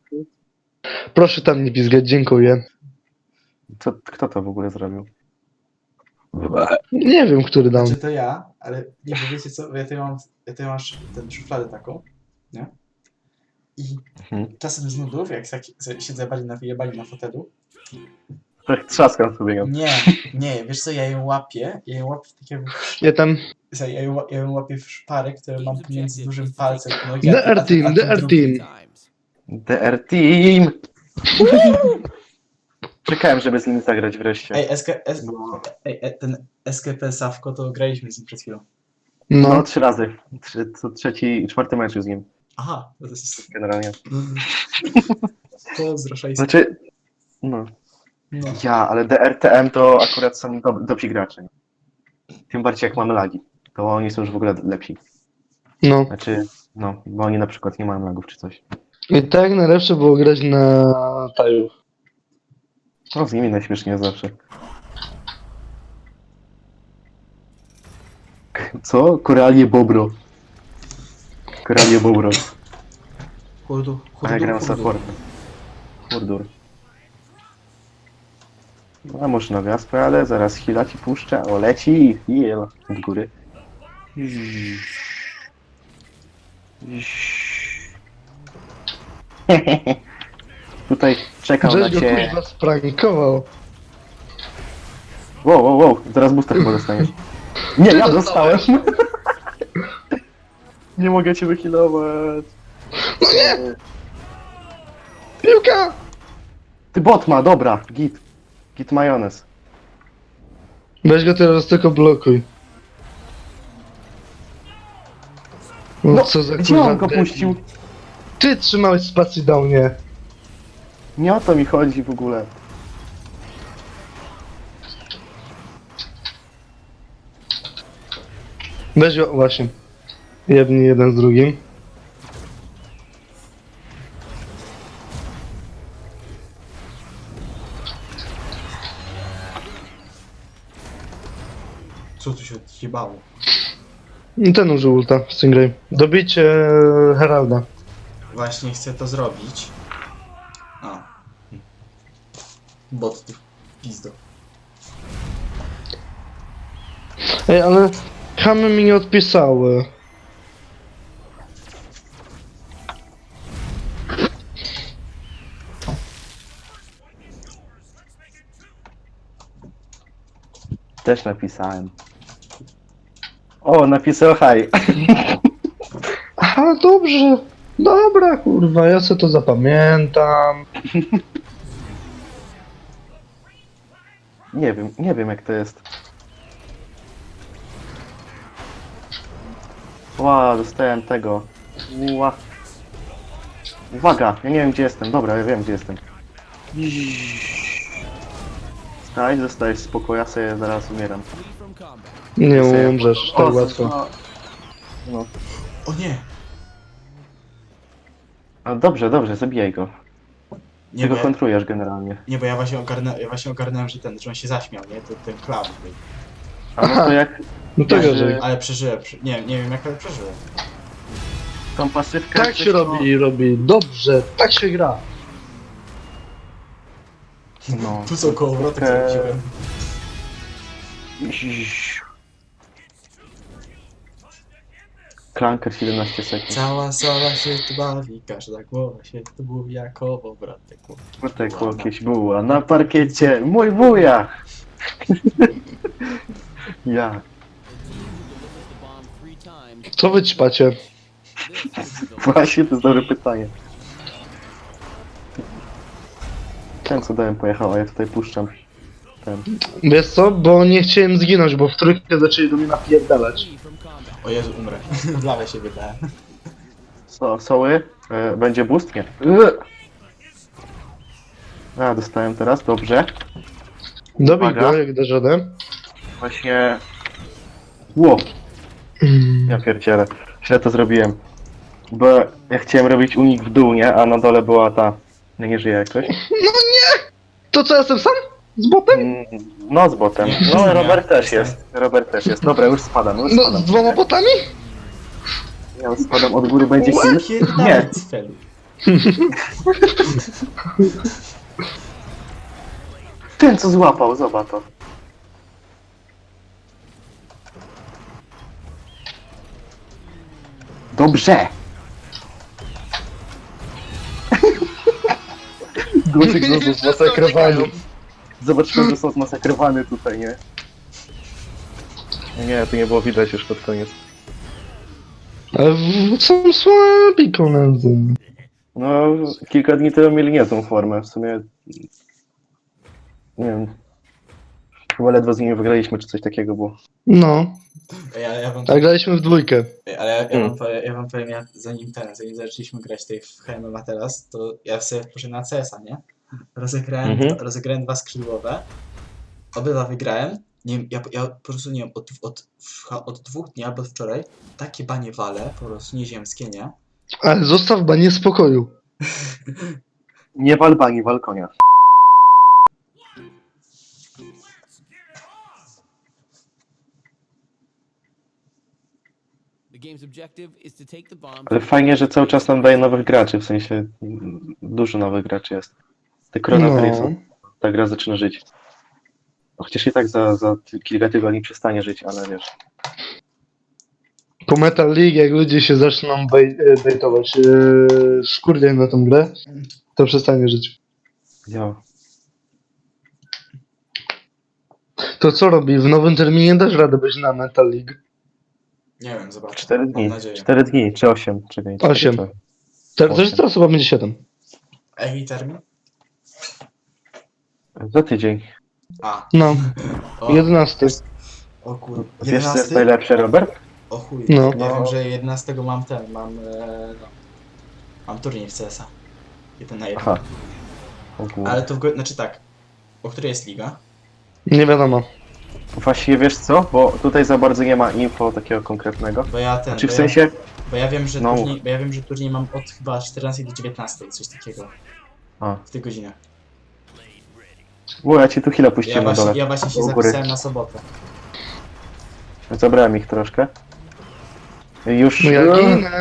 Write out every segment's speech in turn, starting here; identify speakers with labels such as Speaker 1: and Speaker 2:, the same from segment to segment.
Speaker 1: Proszę tam nie pizgać, dziękuję.
Speaker 2: Kto to w ogóle zrobił?
Speaker 1: Nie wiem, który dał.
Speaker 3: Znaczy to ja, ale nie, bo wiecie co, ja tutaj mam tę szufladę taką, nie? I czasem z nudów, jak siedzę wyjebali na fotelu,
Speaker 2: Tak trzaskam sobie ją.
Speaker 3: nie, wiesz co, ja ją łapię w takiego...
Speaker 1: Ja tam...
Speaker 3: Ja ją łapię w szparę, które mam pomiędzy dużym palcem nogi,
Speaker 1: DR Team, DR Team.
Speaker 2: DR Team! Czekałem, żeby z nim zagrać wreszcie.
Speaker 3: Ten SKP Sawko, to graliśmy z nim przed chwilą.
Speaker 2: No,
Speaker 1: No.
Speaker 2: 3 razy. Co trzeci, 4 mecz z nim.
Speaker 3: Aha, to jest...
Speaker 2: Generalnie.
Speaker 3: Pozdro, szajs.
Speaker 2: Znaczy, no.
Speaker 3: No.
Speaker 2: Ale DRTM to akurat są dobrzy gracze. Tym bardziej jak mamy lagi. To oni są już w ogóle lepsi.
Speaker 1: No.
Speaker 2: Znaczy, no, bo oni na przykład nie mają lagów czy coś.
Speaker 1: I tak najlepsze było grać na taju.
Speaker 2: No, z nimi najśmieszniej zawsze. Co? Koralie Bobro. Koralie Bobro. A ja gram supportem. Hurdur. No, a może na wiaspę, ale zaraz chwila ci puszczę. O, leci! Jel. Od góry. Tutaj czekał na
Speaker 1: Żeś go
Speaker 2: cię.
Speaker 1: kurwa sprankował.
Speaker 2: Wow, zaraz booster chyba dostaniesz. Nie,
Speaker 1: Ty
Speaker 2: ja dostałem!
Speaker 1: dostałeś.
Speaker 2: Nie mogę cię wyhealować.
Speaker 1: No nie! Piłka!
Speaker 2: Ty bot ma, dobra, git. Git majonez.
Speaker 1: Weź go teraz tylko blokuj. No co za
Speaker 2: gdzie
Speaker 1: kurwa
Speaker 2: on go
Speaker 1: debil.
Speaker 2: puścił?
Speaker 1: Ty trzymałeś spacji do mnie.
Speaker 2: Nie o to mi chodzi w ogóle.
Speaker 1: Weź go, właśnie. Jedni jeden z drugim.
Speaker 3: Co tu się odjebało?
Speaker 1: Ten użył ulta, Stingray. Dobicie Heralda.
Speaker 3: Właśnie chcę to zrobić. A. Bot ty pizdo.
Speaker 1: Ej, ale chamy mi nie odpisały.
Speaker 2: Też napisałem. O, napisał hi.
Speaker 1: Aha, dobrze. Dobra, kurwa, ja sobie to zapamiętam.
Speaker 2: Nie wiem jak to jest. Ła, dostałem tego. Ła. Uwaga, ja nie wiem gdzie jestem. Dobra, ja wiem gdzie jestem. Staj, zostajesz spokojnie, ja sobie zaraz umieram.
Speaker 1: Nie
Speaker 2: Sobie-
Speaker 1: umrzesz
Speaker 2: O,
Speaker 1: tak łatwo.
Speaker 2: No.
Speaker 3: O nie!
Speaker 2: No dobrze, zabijaj go.
Speaker 3: Nie,
Speaker 2: Ty
Speaker 3: bo
Speaker 2: go kontrujesz generalnie.
Speaker 3: ja właśnie ogarnąłem, że on się zaśmiał, nie? Ten clown.
Speaker 2: A no to jak
Speaker 1: No to
Speaker 2: Leży-
Speaker 1: gorzej.
Speaker 3: Ale przeżyłem, nie wiem jak ale przeżyłem.
Speaker 2: tą pasywkę...
Speaker 1: Tak się robi, dobrze, tak się gra.
Speaker 2: No.
Speaker 3: Tu są kołowrotek zrobiłem.
Speaker 2: Klanker 17 sekund.
Speaker 3: Cała sala się tu bawi, każda głowa się tu buja, kołowrotek.
Speaker 2: Wódek jakieś buła na parkiecie, mój wuja! Ja.
Speaker 1: Co wy ćpacie?
Speaker 2: Właśnie, to jest dobre pytanie. Ten co dałem pojechał, a ja tutaj puszczam. Ten.
Speaker 1: Wiesz co, bo nie chciałem zginąć, bo w trójkę zaczęli do mnie napierdalać.
Speaker 3: O Jezu, umrę. W lawę się wydałem.
Speaker 2: Soły? Będzie boost? Nie. A, dostałem teraz, dobrze.
Speaker 1: Dobij
Speaker 2: Uwaga.
Speaker 1: go, jak dasz radę.
Speaker 2: Właśnie... Ło! Ja pierdzielę. Źle to zrobiłem. Bo ja chciałem robić unik w dół, nie? A na dole była ta... Nie żyje jakoś.
Speaker 1: To co, jestem sam? Z botem?
Speaker 2: No z botem. No Robert też jest. Robert też jest. Dobra, już spadam, już
Speaker 1: No,
Speaker 2: spadam.
Speaker 1: z dwoma botami?
Speaker 2: Ja już spadam od góry, będzie kill. Nie,
Speaker 3: Cfelu.
Speaker 2: Ten co złapał, zobacz to. Dobrze! Głosik został zmasakrowany. Zobaczmy, że są zmasakrowany tutaj, nie? Nie, to nie było widać już pod koniec.
Speaker 1: Ale są słabi koledzy.
Speaker 2: No, kilka dni temu mieli niezłą formę, w sumie... Nie wiem... Chyba ledwo z nimi wygraliśmy, czy coś takiego było.
Speaker 1: No,
Speaker 3: Ja wam,
Speaker 1: a graliśmy w dwójkę.
Speaker 3: ale ja wam powiem, zanim zaczęliśmy grać tutaj w HMMA teraz, to ja sobie poszedłem na CS-a, nie? Rozegrałem 2 skrzydłowe. Obydwa wygrałem. Nie wiem, ja po prostu nie wiem, od 2 dni albo od wczoraj takie banie wale, po prostu nieziemskie, nie?
Speaker 1: Ale zostaw banie spokoju.
Speaker 2: Nie w Albanii, w Alkonia.
Speaker 4: The game's objective is to take the bomb.
Speaker 2: Ale fajnie, że cały czas nam daje nowych graczy, w sensie... Dużo nowych graczy jest. Te Chrono ta gra zaczyna żyć. No, chociaż i tak za kilka tygodni przestanie żyć, ale wiesz...
Speaker 1: Po Metal League, jak ludzie się zaczną bejtować szkurnie na tą grę, to przestanie żyć.
Speaker 2: Ja.
Speaker 1: To co robi? W nowym terminie dasz radę być na Metal League?
Speaker 3: Nie wiem, zobaczę.
Speaker 2: 4 dni.
Speaker 3: Mam nadzieję.
Speaker 2: 4 dni, czy 8? Czekaj.
Speaker 1: 8. Teraz chyba będzie 7.
Speaker 3: A jaki termin?
Speaker 2: Za tydzień.
Speaker 3: A,
Speaker 1: No,
Speaker 3: o,
Speaker 1: 11.
Speaker 3: o kur...
Speaker 2: Wiesz co jest
Speaker 3: 11?
Speaker 2: najlepsze, Robert?
Speaker 3: O chuj,
Speaker 1: No.
Speaker 3: ja wiem, że 11 mam mam turniej w CS-a. 1 na 1.
Speaker 2: Aha. O kurde.
Speaker 3: Ale to znaczy tak, o której jest liga?
Speaker 1: Nie wiadomo.
Speaker 2: Właściwie wiesz co? Bo tutaj za bardzo nie ma info takiego konkretnego.
Speaker 3: Bo ja ten,
Speaker 2: Znaczy w sensie...
Speaker 3: bo ja wiem, że
Speaker 2: No.
Speaker 3: turniej mam od chyba 14 do 19, coś takiego.
Speaker 2: A.
Speaker 3: W tych godzinach.
Speaker 2: Bo ja ci tu chwilę puściłem na dole.
Speaker 3: Ja właśnie się
Speaker 2: u góry.
Speaker 3: zapisałem na sobotę.
Speaker 2: Zabrałem ich troszkę. Już...
Speaker 1: No ja ginę.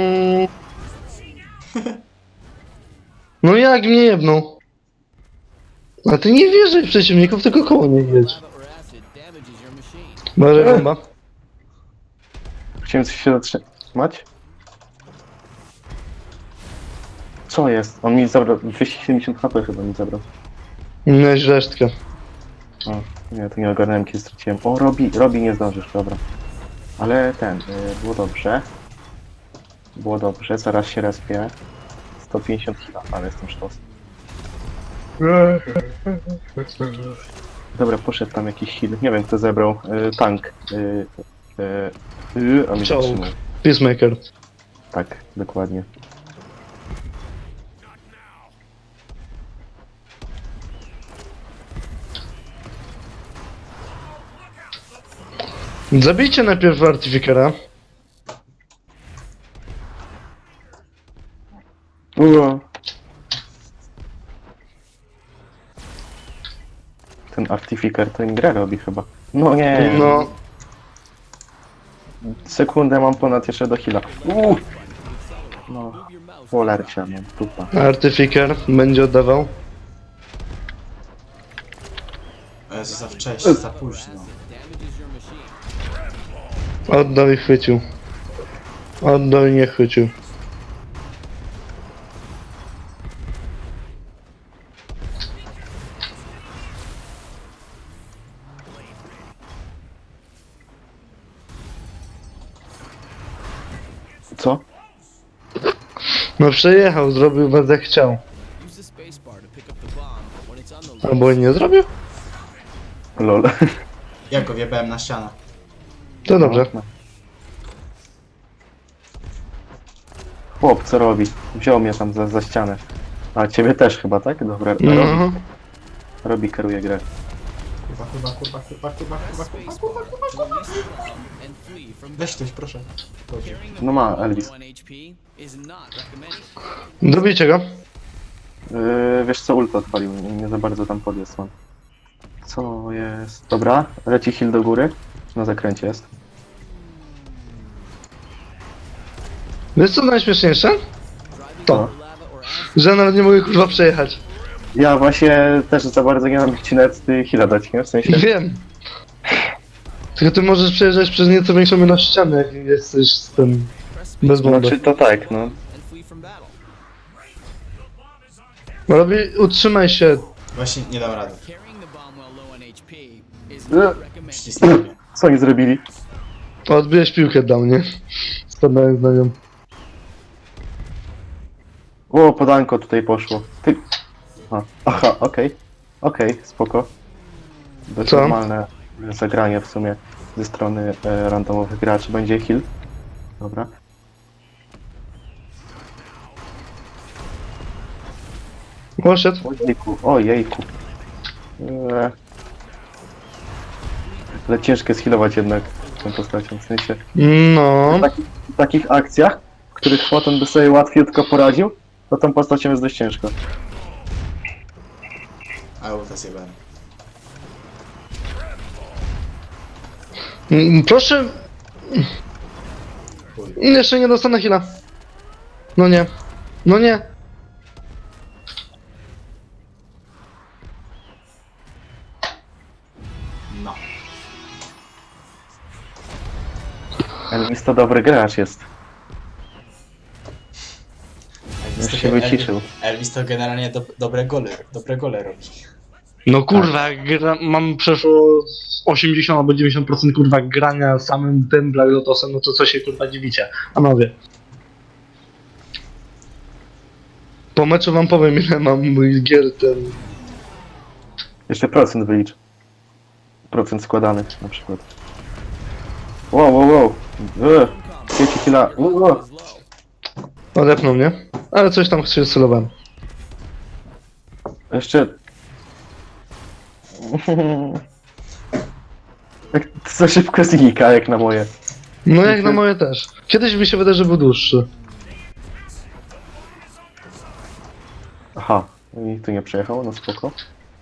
Speaker 1: No jak mnie jebną? A ty nie wierzaj w przeciwników, tylko koło nie jedź.
Speaker 4: Lava or acid damages your machine.
Speaker 1: Może bomba.
Speaker 2: Chciałem coś się zatrzymać. Co jest? On mi zabrał 270 HP chyba mi zabrał.
Speaker 1: Miałeś resztkę.
Speaker 2: O, nie, to nie ogarnąłem kiedy straciłem. O, Robi nie zdążysz, dobra. Ale było dobrze. Było dobrze, zaraz się respię. 150 kg, ale jestem sztos. Dobra, poszedł tam jakiś heal. Nie wiem kto zebrał. Tank. On mnie
Speaker 1: Czołg.
Speaker 2: zatrzymał.
Speaker 1: Peacemaker.
Speaker 2: Tak, dokładnie.
Speaker 1: Zabijcie najpierw Artificera.
Speaker 2: Ten Artificer to im grę robi chyba. No nie.
Speaker 1: No,
Speaker 2: Sekundę mam ponad jeszcze do heala. No, polarcia mam, tupa.
Speaker 1: Artificer będzie oddawał.
Speaker 3: Jezu, za wcześnie, za późno.
Speaker 4: Damages your machine.
Speaker 1: Oddał i chwycił. Oddał i nie chwycił.
Speaker 2: Co?
Speaker 1: No przejechał, zrobił was jak chciał.
Speaker 4: Use the spacebar to pick up the bomb when it's on the loose.
Speaker 1: Albo nie zrobił?
Speaker 2: Lol.
Speaker 3: Ja go wjebałem na ścianę.
Speaker 1: To dobrze.
Speaker 2: No. Chłop, co robi? Wziął mnie tam za ścianę. A ciebie też chyba, tak? Dobra,
Speaker 1: No.
Speaker 2: Robi kieruje grę.
Speaker 3: Kurwa.
Speaker 4: Spacebar to release the bomb and flee from
Speaker 3: Weź ktoś, proszę. Dobrze.
Speaker 4: carrying the
Speaker 2: No ma,
Speaker 4: bomb with
Speaker 2: Elvis.
Speaker 4: 1 HP is not recommended.
Speaker 1: Dobijcie go.
Speaker 2: Wiesz co, ult odpalił, nie za bardzo tam podjazd mam. Co jest? Dobra, leci heal do góry. Na zakręcie jest.
Speaker 1: Wiesz co najśmieszniejsze?
Speaker 4: Driving
Speaker 1: To.
Speaker 4: over lava
Speaker 1: że ja nawet nie mogę kurwa przejechać.
Speaker 2: Ja właśnie też za bardzo nie mam ci nawet heal'a dać, nie? W sensie...
Speaker 1: Wiem. Tylko ty możesz przejeżdżać przez nieco większą ilość ścian, jak jesteś z tym bez bomby.
Speaker 2: Znaczy to tak, no.
Speaker 4: And flee from battle.
Speaker 1: Robi, utrzymaj się.
Speaker 3: Właśnie nie dam rady.
Speaker 4: Carrying the bomb while low on HP is
Speaker 2: Uh.
Speaker 4: not recommended.
Speaker 3: Ścisnę mnie.
Speaker 2: Co oni zrobili?
Speaker 1: Odbijesz piłkę do mnie. Spadając na nią.
Speaker 2: O, podanko tutaj poszło. Ty... Aha, okej. Okej, spoko. Dość
Speaker 1: Co?
Speaker 2: normalne zagranie w sumie ze strony randomowych graczy. Będzie heal. Dobra.
Speaker 1: Poszedł.
Speaker 2: Ojejku, ojejku. Ale ciężko zhealować jednak tą postacią, w sensie
Speaker 1: No.
Speaker 2: w takich akcjach, w których potem by sobie łatwiutko poradził, to tą postacią jest dość ciężko.
Speaker 3: A ulta zjebałem.
Speaker 1: Proszę.
Speaker 3: Chuj.
Speaker 1: Jeszcze nie dostanę heal'a. No nie. No nie.
Speaker 3: No.
Speaker 2: Elvis to dobry gracz jest.
Speaker 3: Elvis
Speaker 2: Już się wyciszył.
Speaker 3: Elvis to generalnie dobre gole robi.
Speaker 1: No kurwa, mam przeszło 80 albo 90% kurwa grania samym tym Black Lotusem, no to co się kurwa dziwicie, panowie. Po meczu wam powiem ile mam mój gier ten...
Speaker 2: Jeszcze procent wylicz. Procent składanych na przykład. Wow, wow, wow. Wiecie chwila.
Speaker 4: Is low.
Speaker 1: Odepnął mnie, ale coś tam się celowałem.
Speaker 2: Jeszcze... Jak za szybko znika, jak na moje.
Speaker 1: No jak na moje też. Kiedyś mi się wydaje, że był dłuższy.
Speaker 2: Aha, i tu nie przejechał, no spoko.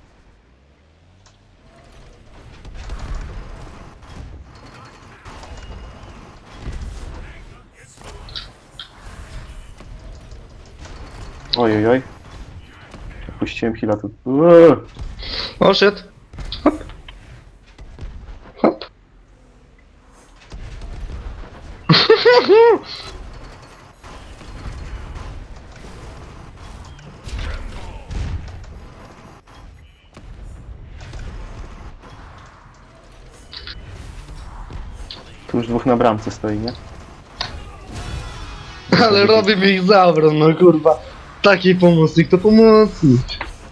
Speaker 2: Ojej, oj. Puściłem heal'a tu.
Speaker 1: O, shit. Hop. Hop.
Speaker 2: Tu już dwóch na bramce stoi, nie?
Speaker 1: Ale robi mi ich zabrał, no kurwa. Taki pomocnik to pomocnik.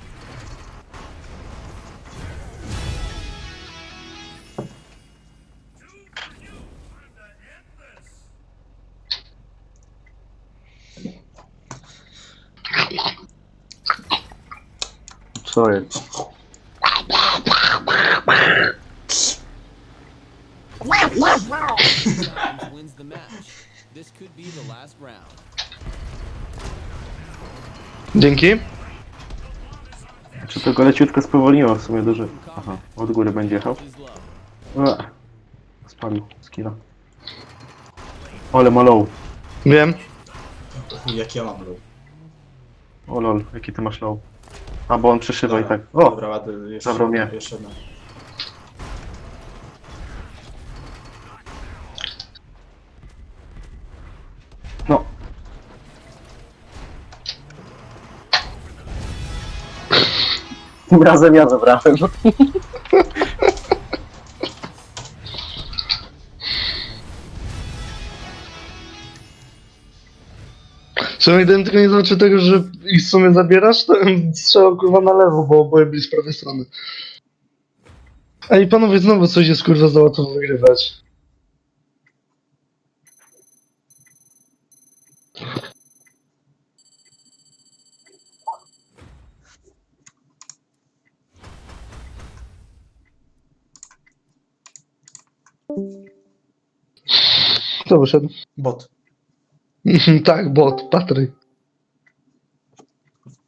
Speaker 2: Co jest?
Speaker 4: Wins the match. This could be the last round.
Speaker 1: Dzięki.
Speaker 2: Czy to go leciutko spowolniło w sumie duży. Aha, od góry będzie jechał.
Speaker 4: Is low.
Speaker 2: Spalił skilla. Ale ma low.
Speaker 1: Wiem.
Speaker 3: Chuj, jak ja mam low.
Speaker 2: O lol, jaki ty masz low. A, bo on przeszywa i tak. O!
Speaker 3: Dobra, ładny, jeszcze
Speaker 2: zabrał mnie.
Speaker 3: Jeszcze jedna.
Speaker 2: No. Tym razem ja zabrałem.
Speaker 1: Przynajmniej gdybym tylko nie zobaczył tego, że ich w sumie zabierasz, to bym strzelał kurwa na lewo, bo oboje byli z prawej strony. Ej panowie, znowu coś jest kurwa za łatwo wygrywać. Kto wyszedł?
Speaker 3: Bot.
Speaker 1: Tak, bot, Patryk.